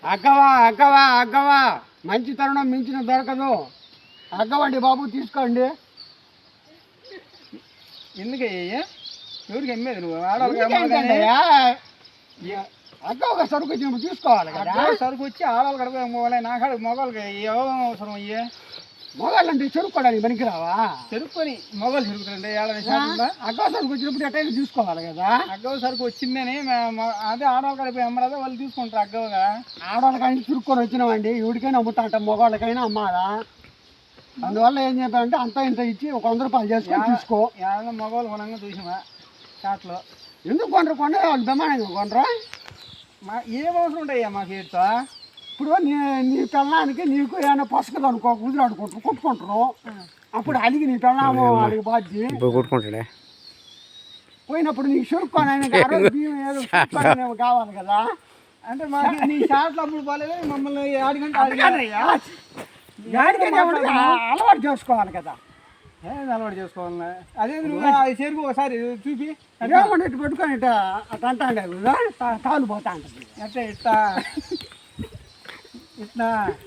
అగ్గవా అగ్గవా అగ్గవా, మంచి తరుణం మించిన దొరకదు. అగ్గవండి బాబు, తీసుకోండి. ఎందుకు ఎవరికి అమ్మేది నువ్వు? ఆడవాళ్ళకి అగ్గ ఒక సరుకు వచ్చినప్పుడు తీసుకోవాలి కదా. సరుకు వచ్చి ఆడవాళ్ళు కడుపు అమ్ముకోవాలి. నాకాడ మొగోళ్ళకి ఎవరు అవసరం అయ్యే? మొగాళ్ళు అంటే చెరుక్కోవడానికి పనికిరావా? చెరుక్కొని మొగలు చెరుకుతుండే ఏడాది అగ్గ సరుకు వచ్చినప్పుడు ఎట్టయినా తీసుకోవాలి కదా. అగ్గవ సరుకు వచ్చిందని అదే ఆడవాళ్ళు కడిపోయి అమ్మరాదా వాళ్ళు తీసుకుంటారు. అగ్గవగా ఆడవాళ్ళకైనా చురుక్కొని వచ్చినామండి, ఎవరికైనా అమ్ముతా అంట, మొగాళ్ళకైనా అమ్మాలా. అందువల్ల ఏం చెప్పారంటే అంత ఇంత ఇచ్చి ఒక 100 రూపాయలు చేసుకొని తీసుకో. ఏడన్నా మొగోళ్ళు కొనంగా చూసినా చాట్లో. ఎందుకు కొనరు? వాళ్ళు బ్రహ్మాండంగా కొనరా? ఏం అవసరం ఉంటాయ్యా మాకు వీటితో? ఇప్పుడు నీ పెళ్ళానికి నీకు ఏమైనా పసుకదు అనుకో, కుదిరాడుకుంటారు, కొట్టుకుంటారు. అప్పుడు అలిగి నీ పెళ్ళాము అడిగి బాధ్య కొట్టుకుంటాడే. పోయినప్పుడు నీకు చురుక్కొని బియ్యం ఏదో కావాలి కదా. అంటే మాకు నీ షాట్లు అప్పుడు పోలేదు, మమ్మల్ని ఆడిగంటే అలవాటు చేసుకోవాలి కదా. అలవాటు చేసుకోవాలన్నా అదే నువ్వు చేరుకు ఒకసారి చూపి ఏమన్నట్టు పెట్టుకొని అట్లా అంటాండే కదా, తాలు పోతా ఉంటుంది. ఎట్లా ఇట్లా ఇట్లా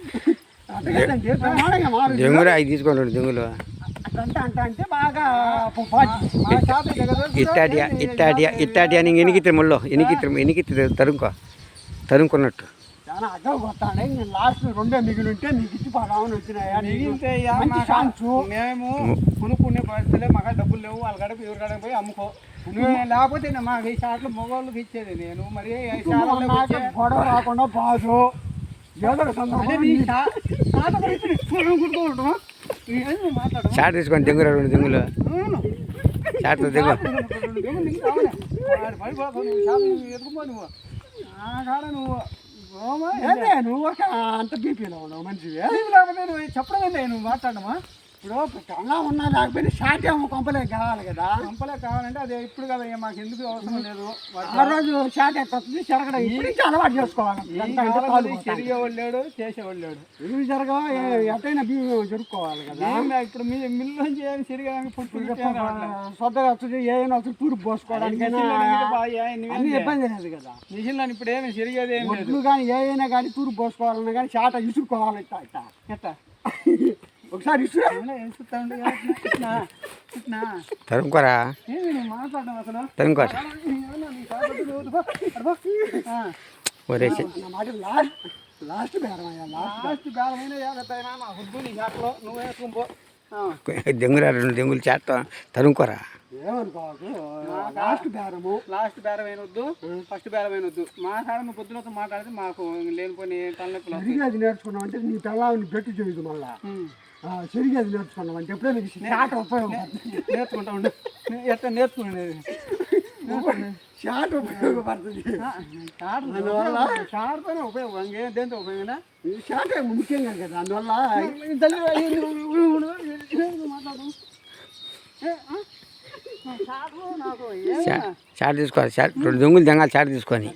జంగులు అవి తీసుకోండి. జంగులు అట్లా అంటే బాగా మా షాప్ ఇట్టాటి అని ఎనికిత్తారు ముళ్ళు ఎనికిత్తారు తరుముకున్నట్టు చాలా అగ్గవ కొత్తాడే. నేను లాస్ట్ 2 మిగిలి ఉంటే నీకు ఇచ్చి పడామని వచ్చినాయా? మిగిలితే మేము కొనుక్కునే పరిస్థితులే, మాకు డబ్బులు లేవు. వాళ్ళ గడప ఎవరి గడప పోయి అమ్ముకో. లేకపోతే మాకు ఈ షాట్లు మొగోళ్ళకి ఇచ్చేది నేను. మరి గొడవ రాకుండా బాదు షాట్ తీసుకోండి. జంగులు 2 జంగులు షాట్తో దిగు. నువ్వు అంత బీపీలో ఉన్నావు మంచివి. చెప్పడం నువ్వు మాట్లాడమా? ఇప్పుడు చాలా ఉన్నా లేకపోయినా షార్ట్ ఏమో కొంపలే కావాలి కదా. కొంపలే కావాలంటే అదే ఇప్పుడు కదా, మాకు ఎందుకు అవసరం లేదు. ఆ రోజు షార్ట్ ఎక్కొస్తుంది, చెరగడం ఇప్పుడు అలవాటు చేసుకోవాలి. చెరిగేవాళ్ళు లేడు, చేసేవాళ్ళు లేడు. ఇవి జరగవా? ఎట్టయినా బియ్యం జరుపుకోవాలి కదా. ఇప్పుడు మీ మిల్లు నుంచి ఏమి చెరిగడానికి సొద్దగా వస్తుంది, ఏమైనా వస్తుంది, తూర్పు పోసుకోవడానికైనా అన్ని ఇబ్బంది లేదు కదా. మిషన్లో ఇప్పుడు ఏమి చెరిగేది ఏం లేదు. కానీ ఏమైనా కానీ తూర్పు పోసుకోవాలన్నా కానీ షార్ట్ ఇసురుకోవాలి. ఎట్ట ఒకసారి తరుముకోరా మాట్లాడడం అసలు తరుముకోరా. లాస్ట్ బేరం అయ్యా, లాస్ట్ బేరమైనా ఏదైనా మా వద్దు నీ షాట్లో నువ్వే కుంపో. జంగులు 2 జంగులు చేస్తాం తరుముకోరా. ఏమనుకోవచ్చు, లాస్ట్ బేరం అయినొద్దు, ఫస్ట్ బేరం అయినొద్దు. మాట్లాడ నువ్వు పొద్దునతో మాట్లాడితే మాకు లేనిపోయి తలనొప్పులు. అది నేర్చుకున్నాం అంటే నీ పిల్లల్ని గట్టి చేయదు. మళ్ళా సరిగా అది నేర్చుకున్నాం అంటే ఎప్పుడైనా షార్ట్ ఉపయోగపడుతుంది. నేర్చుకుంటా ఉండే ఎట్లా నేర్చుకునేది షార్ట్ ఉపయోగపడుతుంది. షార్ట్ పైన ఉపయోగం దేంతో ఉపయోగం షార్ట్ ముఖ్యంగా కదా. అందువల్ల షార్ట్ తీసుకోవాలి. 2 జంగులు తెంగాలి. షార్ట్ తీసుకొని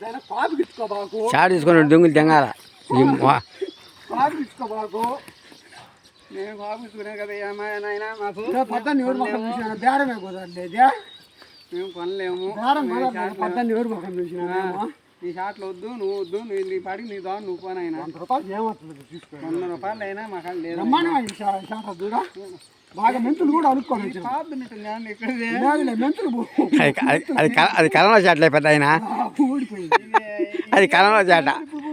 2 జంగులు తెంగాల. తీసుకోబాకు. నేను బాబుకునే కదా నాయనా. మాకు బేరమే కుదరలేదు, మేము కొనలేము. ఎవరు ముఖం చూసినా నీ షాట్లు వద్దు, నువ్వు వద్దు, నీ పాటికి నీ దాని నువ్వు పోనైనా 100 రూపాయలు ఏమవుతుంది? 100 రూపాయలు అయినా మాకు లేదు. బాగా మెంతులు కూడా అనుకోని మెంతులు అది కలంలో చాట్లే పెద్ద ఆయన. అది కలంలో చాట.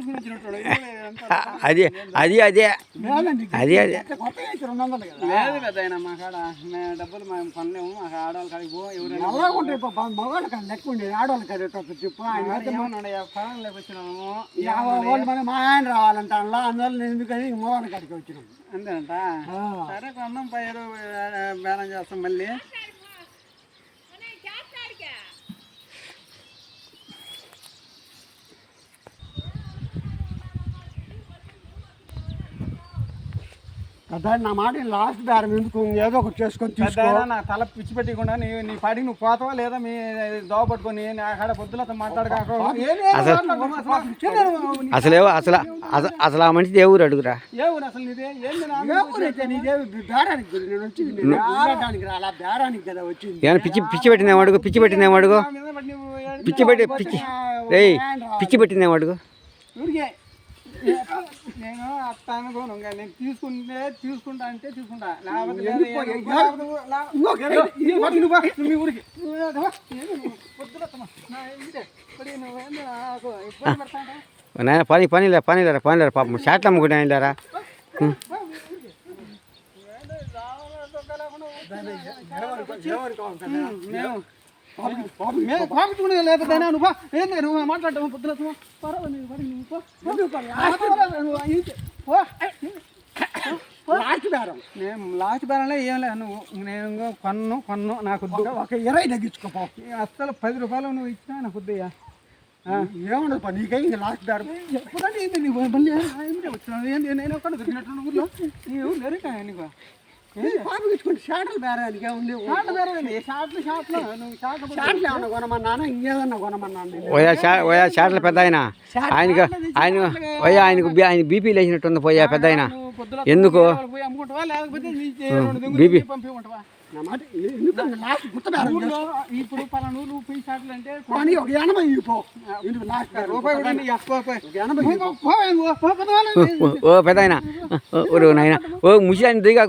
అది అదే లేదు కదా ఆయన. మా కాడ మేము డబ్బులు మేము కొనలేము. మాకు ఆడవాళ్ళ కాడికి పో. ఎవరైనా మగవాళ్ళ కాడ లెక్క ఉండేది, ఆడవాళ్ళ కాడ చెప్పు. ఫలం లేక వచ్చినాము. మా ఆయన రావాలంట అలా, అందువల్ల నేను ఎందుకని మగవాళ్ళ కాడికి వచ్చినాము. అంతేనంట. సరే కొన్నాం, 10 బేరం చేస్తాం మళ్ళీ. కదా నా మాట లాస్ట్ బేరం ఎందుకు, ఏదో ఒకటి చేసుకొని నా తల పిచ్చి పెట్టకుండా నీ పాడికి నువ్వు పోతావా లేదా? మీ దోవ పట్టుకొని అక్కడ పొద్దులతో మాట్లాడక అసలు ఆ మనిషి ఏ ఊరు అడుగురా? ఏ ఊరు అసలు నీదే? బేరానికి రాలా, బేరానికి కదా వచ్చింది. ఏమైనా పిచ్చి పెట్టిందేమో అడుగు. పిచ్చి పెట్టిందేమో అడుగు. నేను అత్త అనుకోను ఇంకా నేను తీసుకుంటా అంటే తీసుకుంటా లేకపోతే లేదు. మీ ఊరికి పొద్దున నా ఇంటే ఇప్పుడు నువ్వేంది నాకు ఇబ్బంది పెడతాంటావు. నాయన పనిలేరా పాపం షాట్లు అమ్ముకుంటారా పాపించుకునే లేకపోతే నువ్వు ఏంది నువ్వు మాట్లాడతావు పొద్దున నేను లాస్ట్ బేరంలో ఏం లేదు నువ్వు నేను కొన్ను నాకు ఒక 20 తగ్గించుకోపో. అసలు 10 రూపాయలు నువ్వు ఇచ్చినా నాకు వద్దయ్యా. ఏముండదు పని నీకే ఇంకా లాస్ట్ బేరం. ఎప్పుడంటే ఏంటి నీకు మళ్ళీ ఏమిటి వచ్చినావు ఏంటి నేను ఒక్కడ దొరికినట్టు ఊళ్ళో నీవు లేరుకా నీకు పాపించుకోండి షార్ట్లు బేరానికి ఉంది. షార్ట్ వేరే షార్ట్లు నువ్వు షార్ట్లు ఏమన్నా కొనమన్నానా ఇంకేదన్నా కొనమన్నాను. ఓయా షాట్ల పెద్ద ఆయన ఆయనకు బీపీ లేచినట్టుంది పోయా పెద్ద ఆయన ఎందుకు అమ్ముకుంటావా లేకపోతే బీపీ పంపించమంటావా నా మాట ఎందుకంటే లాస్ట్ గుర్తు బేరం ఇప్పుడు పలానా నువ్వు పోయి షార్ట్లు అంటే కానీ ఒక 80 ఇవ్వు. ఎందుకు లాస్ట్ బేరం రూపాయి కూడా నీకు ఎక్కువ 80 ఇవ్వు. ఓ పెద్ద ఆయన ఓ నాయన ఓ ముసలాయన దిగాకు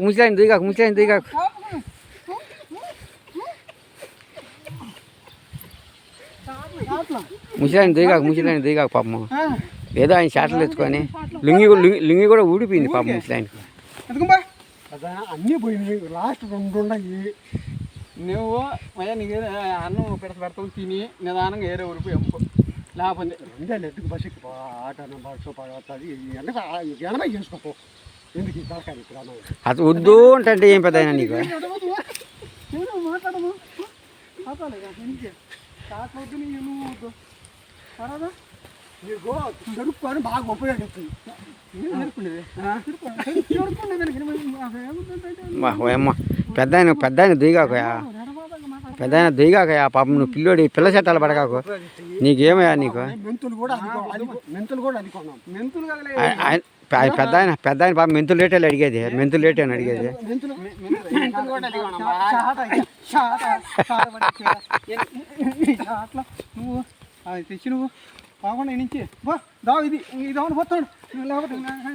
ముసలాయన దిగాకు పాపం ఏదో ఆయన షాట్లు తెచ్చుకొని లుంగి కూడా ఊడిపోయింది పాపం ముసలాయనకు. అన్నీ పోయినాయి లాస్ట్ 2 ఉన్నాయి. నువ్వు అయ్యా నీకు అన్నం పెడతావు తిని నిదానంగా ఏరే ఊరిపోయి అమ్ముకో లేకపోతే రెండే ఎత్తుకు బస్సు ఎక్కిపో ఆట బస్సు పడుతుంది వెనక 80 చేసుకోపో. ఎందుకు ఈ తలకాయ ఇప్పుడు అది వద్దు అంటే ఏం పెద్ద అయినా నీకు మాట్లాడము వద్దు నువ్వు పరాదా నీకు దొరుకుని బాగా ఉపయోగిస్తుంది. ఓయమ్మ పెద్ద ఆయన దిగాకయా పాపం నువ్వు పిల్ల చట్టాలు పడకాకు నీకేమయ్యా నీకు మెంతులు కూడా అది కొన్నాం. మెంతులు పెద్ద ఆయన పాపం మెంతులు రేటే అడిగేది మెంతులు రేటే అని అడిగేది నువ్వు అది తెచ్చి నువ్వు బాగుండా నుంచి దావు ఇది అవును పోతాడు లేకపోతే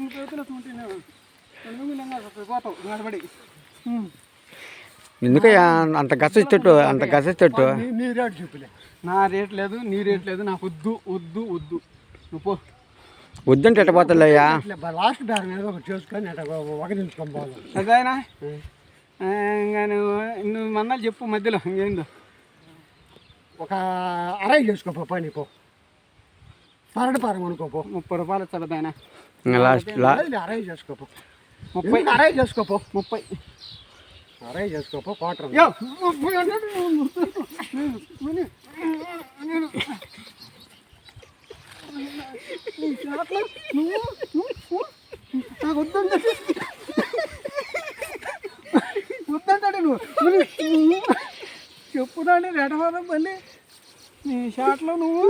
పోతావు నిలబడి ఎందుకయ్యా అంత గసెత్తట్టు నీ రేటు చెప్పులే. నా రేట్ లేదు నీ రేట్ లేదు నాకు వద్దు నువ్వు పో వద్దంటే ఎట్ట పోతుందయ్యా లాస్ట్ బేరం ఏదో ఒకటి చేసుకొని ఒకరించుకొని పోవాలి. అదేనా ఇంకా నువ్వు మన్నాలు చెప్పు మధ్యలో ఇంకేందో ఒక 60 చేసుకోపో పని పో పరడం అనుకోపో. 30 రూపాయలు ఇస్తాడు ఆయన లాస్ట్ 60 చేసుకోపో. 60 చేసుకోపో. 60 చేసుకోపో. క్వార్టర్ నాకు వద్దంటాడు నువ్వు చెప్పుదాండి రెడవాదం మళ్ళీ నీ షాట్లో నువ్వు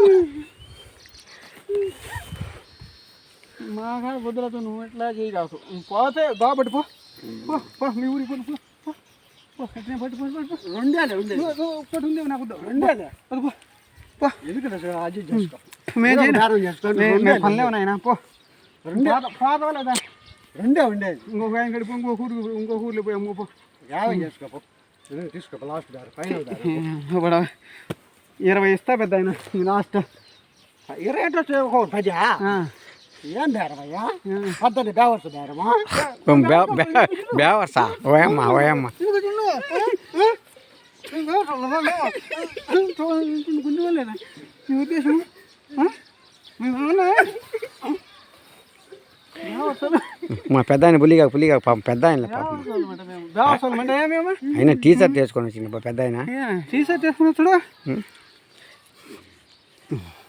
మాగా వద్దులతో నువ్వు ఎట్లా చేయరాదు పోతే బాబట్టి పో మీ ఊరికి పో ఎట్లా పట్టు రెండేలే ఒక్కటి ఉంది నాకు రెండేలే పో ఎందుకంటే అడ్జస్ట్ చేసుకో. పనిలేవు నాయన పో పోదా రెండే ఉండేది. ఇంకొక ఆయన గడిపో ఇంకొక ఊర్లో పోయి అమ్ముకో 50 చేసుకోపో. తీసుకోపో లాస్ట్ దారి ఫైనల్ దారి. 20 ఇస్తా పెద్ద ఆయన లాస్ట్ 20 ఎట్లా 10 ఏం బేరమయ్యా పద్ధతి బేవర్స్ బేరమా బేవర్సా ఓయమ్మ లేదా నీ ఉద్దేశం మా పెద్ద ఆయన పులిగా పాపం పెద్ద ఆయన పాపం అయినా టీషర్ట్ వేసుకొని వచ్చింది పెద్ద ఆయన టీషర్ట్ వేసుకుని వచ్చాడు